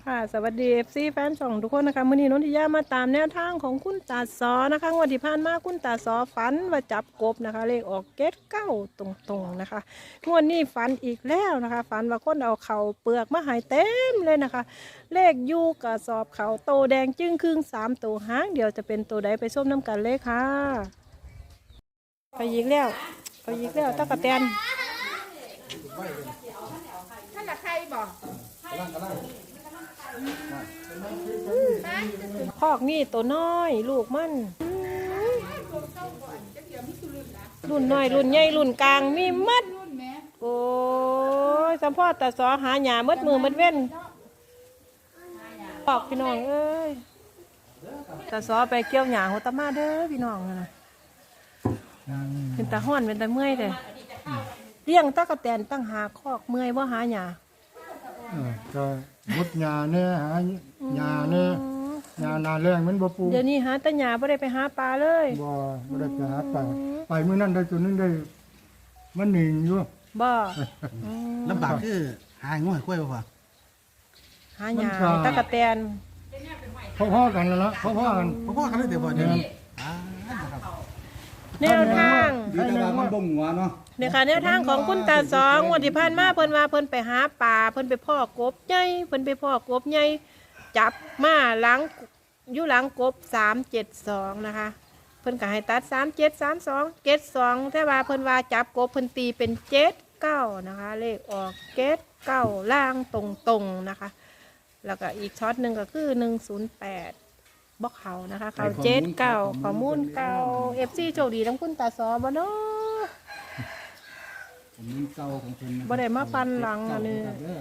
ค่ะสวัสดี FC แฟนช่องทุกคนนะคะมื้อนี้นนทิยามาตามแนวทางของคุณตาซอนะคะงวดที่ผ่านมาคุณตาซอฝันว่าจับกบนะคะเลขออกเกตเก้าตรงๆนะคะงวดนี้ฝันอีกแล้วนะคะฝันว่าคนเอาเข่าเปลือกมาใหายเต็มเลยนะคะ เลขยูกระสอบเขาโตแดงจึ้งครึ่ง3ตัวหางเดี๋ยวจะเป็นตัวใดไปส้มน้ำกันเลยค่ะไปยิกแล้วตะกะแตนท่านละใครบอกคอกนี่ตัวน้อยลูกมันรุ่นน้อยรุ่นใหญ่รุ่นกลางมีมัดโอ้ยสัมพ่อตาสอหาหยามัดมือมัดเว้นปอกพี่น้องเอ้ยตาสอไปเกี่ยวหยาหัวตามาเด้อพี่น้องนะเป็นตาห้อนเป็นตาเมื่อยเลยเลี้ยงตะกะแตนตั้งหาคอกเมื่อยว่าหาหยาก็มุดหญ้าเนี่ยหาหญ้าเนี่ยหญ้านาแรงมันบ่ปลูกเดี๋ยวนี้หาแตะหยาไม่ได้ไปหาปลาเลยบ่ได้ไปหาไปมื้อนั้นได้ตัวนึงได้มันหนิงอยู่บ่ลำบากคือหาง่วยกล้วยบ่หาหยาตะกะแตนพ่อๆกันแล้วล่ะพ่อๆกันพ่อกันเลยเดี๋ยวบ่เดี๋ยวนี้แนวทางดีแต่ว่ามันบ่งหัวเนาะเนี่ยค่ะแนวทางของคุณตาสองงวดที่ผ่านมาเพิ่นว่าเพิ่นไปหาปลาเพิ่นไปพ่อกบใหญ่เพิ่นไปพ่อกบใหญ่จับมาหลังอยู่หลังกบ372นะคะเพิ่นก็ให้ตัด3732 72แต่ว่าเพิ่นว่าจับกบเพิ่นตีเป็น79นะคะเลขออก79ล่างตรงๆนะคะแล้วก็อีกช็อตหนึ่งก็คือ108บ่เขานะคะเขา79ข้อมูลเก่า FC โชคดีทั้งคุณตาสอบ่เนาะผมมีเก่าของคุณบ่ได้มาปันหลังอันนี้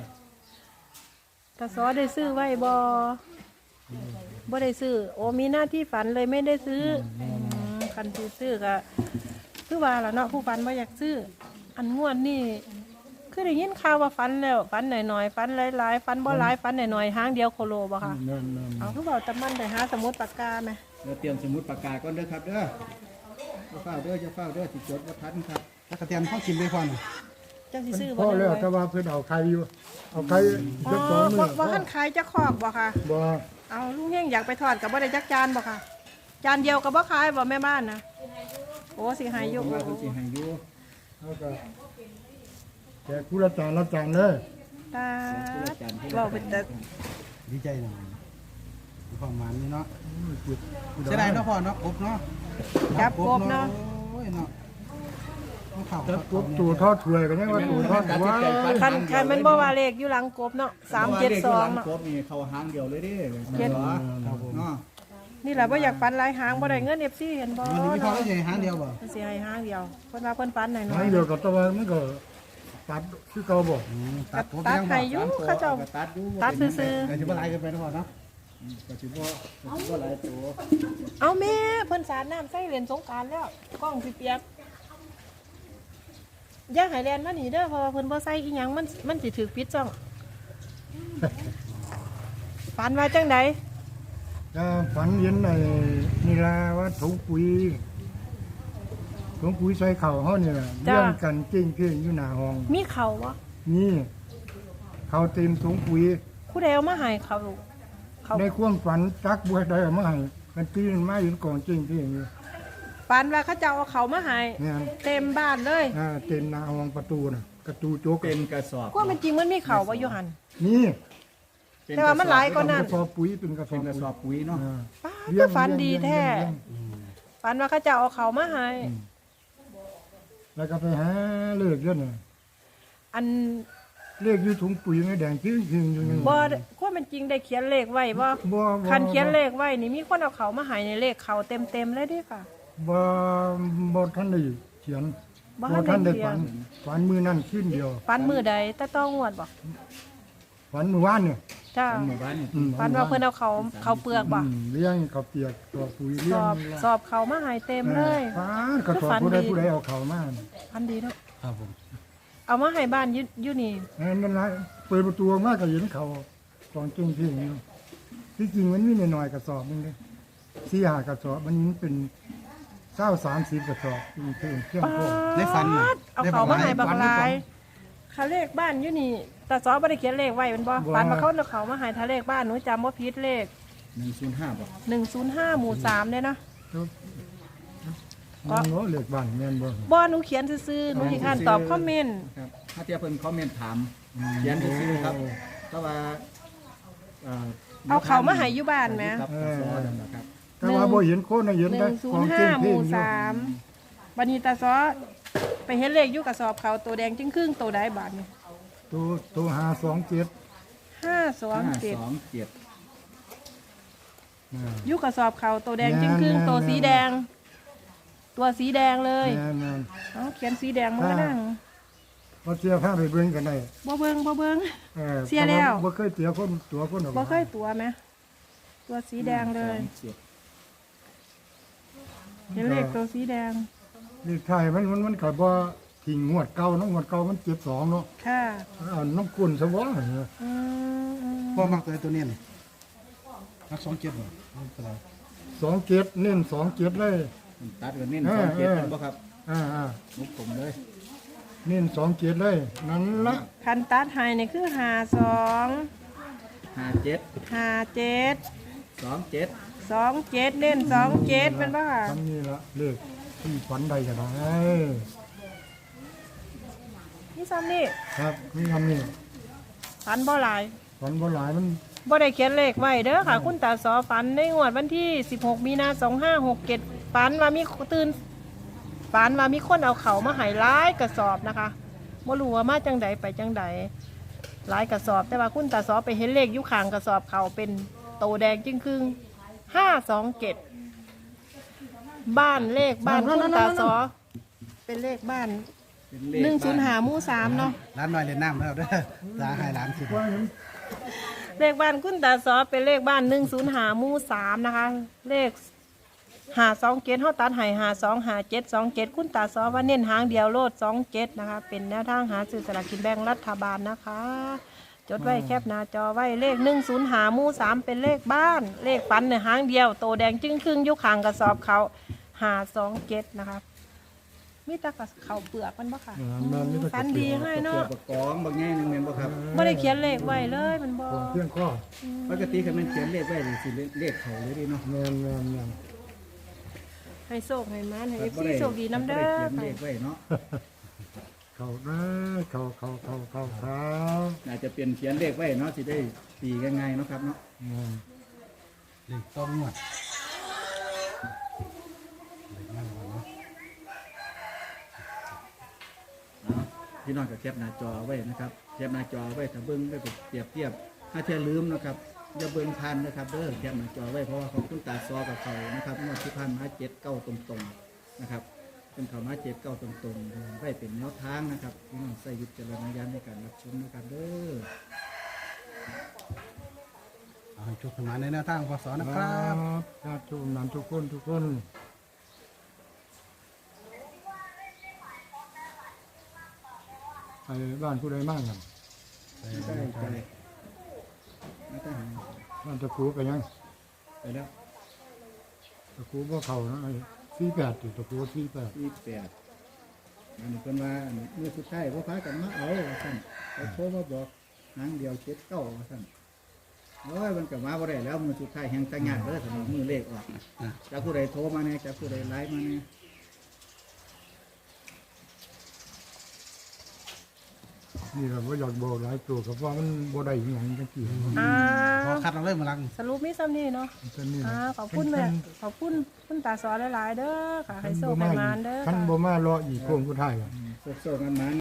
ตาซอได้ซื้อไว้บ่ได้ซื้อโอ้มีหน้าที่ฝันเลยไม่ได้ซื้อคันที่ซื้อก็คือว่าล่ะเนาะผู้ฝันบ่อยากซื้ออันงวดนี่คือได้ยินข่าวว่าฝันแล้วฝันหน่อยๆฝันหลายๆฝันบ่หลายฝันหน่อยๆหางเดียวโคโลบ่ค่ะนั่นเอาคือบอกตะมันได้หาสมุดปากกาไหมเดี๋ยวเตรียมสมุดปากกาก่อนเด้อครับเด้อจะเฝ้าเด้อสิจดบ่ทันครับถ้ากระเทียมเข้ากินไปก่อนจังสิซื้อๆบ่พ่อได้แล้วไว้แต่ว่าเพิ่นเอาไข่อยู่เอาไข่อ๋อจัก2มื้อบ่ทันขายจะคอกบ่ค่ะบ่เอาลุงเฮงอยากไปทอดกับบ่ได้จักจานบ่ค่ะ จานเดียวกับบ่ขายบ่แม่บ้านนะโอ้สิหายอยู่ว่าเพิ่นสิให้อยู่เฮาก็แจกผู้ละจานเด้อตาเราเป็นแต่ดีใจหน่อยมีความหมายนี่เนาะเสียดายเนาะพ่อเนาะกบเนาะจับกบเนาะโอ้ยเนาะเข้าจับกบตัวทอดถ้วยก็ยังว่าตัวทอดหัวคันมันบ่ว่าเลขอยู่หลังกบเนาะ372เนาะกบนี่เข้าหางเดียวเลยดิเจ็ดครับผมเนาะนี่แหละบ่อยากปันหลายหางบ่ได้เงิน FC เห็นบ่มันมีพอแล้วสิหางเดียวบ่มันสิให้หางเดียวเพิ่นว่าเพิ่นปันหน่อยหางเดียวกับตัวมันก็ตัดคือเก่าบ่ๆตัดให้อยู่เขาเจ้าตัดอยู่ตัดซื่อแต่สิบ่หลายเกินไปเนาะพ่อเนาะก็สิบ่หลายตัวๆเอาแม่เพิ่นสาดน้ำใส่เล่นสงกรานต์แล้วกล้องสิเปียกอย่าให้แล่นมานี่เด้อเพราะว่าเพิ่นบ่ใส่อีหยังมันสิถูกปิดจ้องฝันว่าจังไดก็ฝันเห็นไอ้นี่ล่ะว่าถุงปุ๋ยใส่ข้าวเฮานี่ล่ะเลี้ยงกันเก่งๆอยู่หน้าห้องมีเขาวะนี่ข้าวเต็มถุงปุ๋ยผู้ใดเอามาให้เขาเขาในความฝันจักบ่ได้เอามาให้กันตีนมาอยู่กองเก่งอยู่ฝันว่าเขาจะเอาเขามาให้เนี่ยเต็มบ้านเลยเต็มหน้าห้องประตูน่ะประตูโจกเป็นกระสอบก็มันจริงมันมีเขาว่าอยู่หันนี่แต่ว่ามันหลายกว่านั้นกระสอบปุ๋ยเป็นกระสอเป็บนกระสอบปุ๋ยเนาะป้าก็ฝันดีแท้ฝันว่าเขาจะเอาเขามาให้แล้วก็ไปหาเลขเด้อน่ะอันเลขอยู่ถุงปุ๋ยไม่แดงจริงๆอยู่นี่บ่ก็มันจริงได้เขียนเลขไว้บ่บ่คันเขียนเลขไว้นี่มีคนเอาเขามาให้ในเลขเขาเต็มเลยเดิค่ะบ่ทันได้เขียนบ่ทันได้เขียนฝันมือนั่นขึ้นเดียวฝันมือใดแต่ต้องงวดบ่ฝันเมื่อวานเนี่ยจ้าหมู่บ้านนี่ฝันว่าเพิ่นเอาเขาเปลือกบ่เลี้ยงเขาวเปียกตัวปุ๋ยสเลี้ยอง บสอบเขามาให้เต็มเลยฟ้ากระสอบผู้ใดเอาเขามาฝันดีเนาะครับผมเอามาให้บ้านอยู่นี่นั่นละเปิดประตูออกมาก็เห็นเขากองเก่งที่อยู่ที่จริงมันมีหน่อยๆกระสอบนึงเลย4-5กระสอบมันเป็น20-30กระสอบเป็นเครื่องป๊าพ่อได้ฝันน่ะดเอาเขามาให้บักหลาย ขถ้าเลขบ้านอยู่นี่ตาซอบ่ได้เขียนเลขไว้เป็นบ่ฝันมาเขาเขามาใหายถ้าเลขบ้านหนูจำว่าผิดเลข 105บ่ 105หมู่3เลยเนาะมันเนาะเลือกบ้านแม่นบ่บ่หนูเขียนซื่อๆหนูสิอ่านตอบคอมเมนต์ครับถ้าเทียบเพิ่นคอมเมนต์ถามเขียนซื่อๆครับแต่ว่าเอาเขามาให้อยู่บ้านไหมครับสอนั่นแหละครับแต่ว่าบ่เห็นคนน่ะเห็นแต่ของจริง 105หพี่มู่อยู่ 3บัดนี้ตาซอไปเห็นเลขอยู่กระสอบเขาตัวแดงจึงครึ่งตัวใดบาทนี่ตัว527 527 527 อยู่กระสอบเขาตัวแดงจึงครึ่งตัวสีแดง ตัวสีแดงเลยแม่นเอาเขียนสีแดงมันก็นั่งๆบ่เสียพาไปเบิ่งกันได้บ่เบิ่ง เสียพราะแล้วบ่เคยเสียคนตัวคนออกบ่เคยตัวไหมตัวสีแดงเลย เห็นเลขตัวสีแดงเลขไทยมันก็บ่ทิ้งงวดเก่าเนาะงวดเก่ามัน72เนาะค่ะเอาน้ำกุนซะบ่อืมพ่อมักตัวนี้นี่มัก27บ่เป็นไร 27เน้น27เลยตัดกันเน้น27เป็นบ่ครับอ่ามุกผมเลยๆเน้น27เลยนั่นละคันตัดไฮนี่คือ 57 57 27 27เน้น27เป็นป่ะค่ะทำนี่ละเลขที่ฝันใดก็ได้นี่ซ้ำนี่ครับนี่ทำนี่ฝันบ่หลายฝันบ่หลายมันบ่ได้เขียนเลขไว้เด้อค่ะ คุณตาสอฝันในงวดวันที่16มีนา2567ฝันว่ามีตื่นฝันว่ามีคนเอาเขามาให้หลายกระสอบนะคะบ่รู้ว่ามาจังใดไปจังใดหลายกระสอบ แต่ว่าคุณตาสอไปเห็นเลขอยู่ข้างกระสอบเขาเป็นโตแดงจึงครึ่ง527บ้านเลขบ้านคุณตาสอเป็นเลขบ้านเป็นเลข 105หมู่3เนาะร้านน้อยเล่นน้ำแล้วเด้อตาให้ร้านสิว่าเห็นเลขบ้านคุณตาซอเป็นเลขบ้าน105หมู่3นะคะเลข527เฮาตัดให้525727คุณตาซอว่าเน้นหางเดียวโลด27นะคะเป็นแนวทางหาซื้อสลากกินแบ่งรัฐบาลนะคะ จดไว้แคปหน้าจอไว้เลข105หมู่3เป็นเลขบ้านเลขฝันเนี่ยหางเดียวโตแดงจึ้งครึ่งอยู่ข้างกระสอบเขา527นะคะมีแตะกับเขาเปลือกมันบ่ค่ะมันนี่ก็ฝันดีให้เนาะประกองบางแง่นึงแม่นบ่ครับบ่ได้เขียนเลขไว้เลยมันบ่เพียงข้อปกติคันมันเขียนเลขไว้นี่สิเลขเขาเลยดิเนาะแม่นให้โชคให้มันให้บ่ FC ได้โชคดีน้ำเด้อเขียนเลขไว้เนาะเขานะเขาน่าจะเป็นเขียนเลขไว้เนาะสิได้ตีง่ายๆเนาะครับเนาะแม่นเลขต้องงวดพี่น้องก็แคปหน้าจอไว้นะครับแคปหน้าจอไว้ถ้าเบิ่งไปเปรียบเทียบถ้าเทียลืมนะครับอย่าเบิ่งทันนะครับเด้อแคปหน้าจอไว้เพราะว่าของคุณตาซอกับเขานะครับงวดที่ผ่านมา79ตรงๆนะครับเป็นเขามา79ตรงๆไว้เป็นแนวทางนะครับพี่น้องใส่วิจารณญาณในการรับชมนะครับเด้อเอาให้โชคมาในแนวทางพศนะครับญาติทุกนั้นทุกคนไปบ้านผู้ใดมากกันได้ใจไม่ต้องหาบ้านตะคูไปยังไปแล้วตะคูบ่เข้านะไอ้48ติตะคู48 ที่8อันนี้เพิ่นว่าอันเมื่อสุดท้ายพ่อพากันมาเอาว่าซั่นเขาโทรมาบอกหางเดียว79ว่าซั่นโอ้ยมันก็มาบ่ได้แล้วมือสุดท้ายแห่งตังงานเด้อสำหรับมือเลขออกจากผู้ใดโทรมาแน่จากผู้ใดไลน์มาแน่นี่เราบ่อยากบอกหลายตัวครับว่ามันบ่ได้อหยังจังซี่พอคัดเราเลยมาลังสรุปมีซ้ำนี่เนาะมันนี่ขอบคุณแม่ขอบคุณคุณตาสอนหลายๆเด้อค่ะให้โชคให้มานเด้อคันค่ะบ่มารออีกโค้งสุดท้ายอะโซกันมา